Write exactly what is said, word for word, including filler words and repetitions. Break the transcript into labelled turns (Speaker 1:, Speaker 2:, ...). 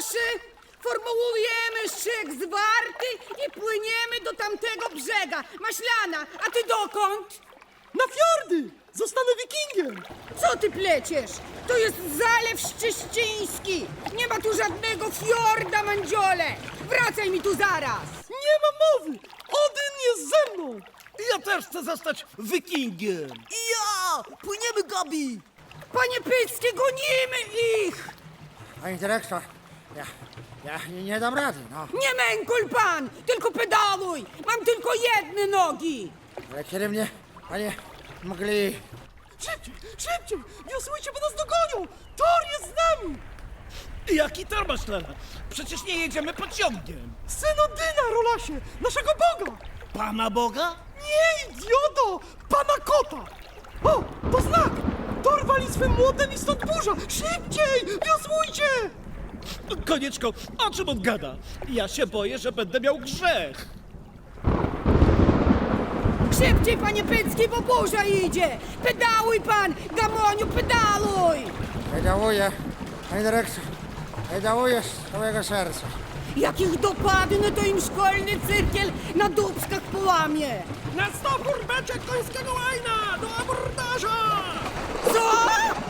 Speaker 1: proszę! Formułujemy szyk zwarty i płyniemy do tamtego brzega. Maślana, a ty dokąd?
Speaker 2: Na fiordy! Zostanę wikingiem!
Speaker 1: Co ty pleciesz? To jest Zalew Szczyściński! Nie ma tu żadnego fiorda, mandziole! Wracaj mi tu zaraz!
Speaker 2: Nie ma mowy! Odyn jest ze mną!
Speaker 3: Ja też chcę zostać wikingiem.
Speaker 4: I ja! Płyniemy, Gabi!
Speaker 1: Panie Pycki, gonimy ich!
Speaker 5: Panie dyrektor, ja, ja nie, nie dam rady, no.
Speaker 1: Nie mękul pan, tylko pedaluj! Mam tylko jedne nogi!
Speaker 5: Ale kiedy mnie, panie, mogli...
Speaker 2: Szybciej, szybciej! Wiosłujcie, bo nas dogonią! Thor jest z nami!
Speaker 3: Jaki tor, Maślana? Przecież nie jedziemy pociągiem.
Speaker 2: Syn Odyna, Rolasie! Naszego Boga!
Speaker 3: Pana Boga?
Speaker 2: Nie, idioto! Pana kota! O, to znak! Thor wali swym młotem i stąd burza! Szybciej! Wiosłujcie!
Speaker 3: Konieczko, o czym on gada? Ja się boję, że będę miał grzech.
Speaker 1: Szybciej, panie Pycki, bo burza idzie! Pedaluj pan, Gamoniu, pedaluj!
Speaker 5: Pedałuję, panie dyrektor, pedałuję z całego serca.
Speaker 1: Jak ich dopadnę, to im szkolny cyrkiel na dubskach połamie!
Speaker 2: Na stopór beczek końskiego łajna! Do abordaża!
Speaker 1: Co?